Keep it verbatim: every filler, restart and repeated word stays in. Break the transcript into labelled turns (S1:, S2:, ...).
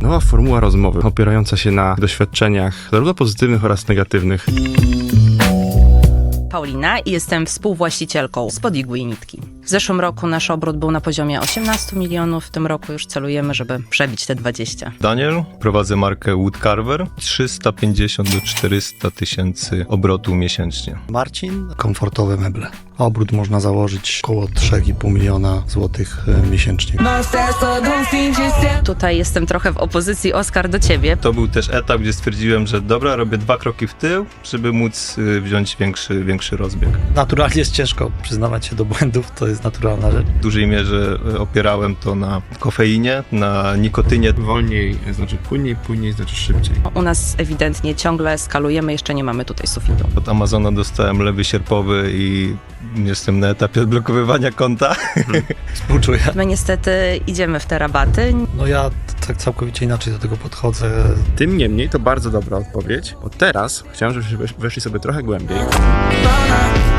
S1: Nowa formuła rozmowy, opierająca się na doświadczeniach zarówno pozytywnych oraz negatywnych.
S2: Paulina i jestem współwłaścicielką Spod Igły i Nitki. W zeszłym roku nasz obrót był na poziomie osiemnaście milionów, w tym roku już celujemy, żeby przebić te dwadzieścia.
S3: Daniel, prowadzę markę Woodcarver, trzysta pięćdziesiąt do czterysta tysięcy obrotu miesięcznie.
S4: Marcin, komfortowe meble. Obrót można założyć około trzy i pół miliona złotych miesięcznie.
S2: Tutaj jestem trochę w opozycji, Oskar, do ciebie.
S3: To był też etap, gdzie stwierdziłem, że dobra, robię dwa kroki w tył, żeby móc y, wziąć większy, większy rozbieg.
S4: Naturalnie jest ciężko przyznawać się do błędów, to jest naturalna rzecz.
S3: W dużej mierze y, opierałem to na kofeinie, na nikotynie.
S1: Wolniej znaczy płynniej, płynniej znaczy szybciej.
S2: U nas ewidentnie ciągle skalujemy, jeszcze nie mamy tutaj sufitu.
S3: Od Amazona dostałem lewy sierpowy i jestem na etapie odblokowywania konta.
S4: Współczuję.
S2: My niestety idziemy w te rabaty.
S4: No ja tak całkowicie inaczej do tego podchodzę.
S1: Tym niemniej to bardzo dobra odpowiedź, bo teraz chciałem, żebyśmy weszli sobie trochę głębiej.
S5: Bona,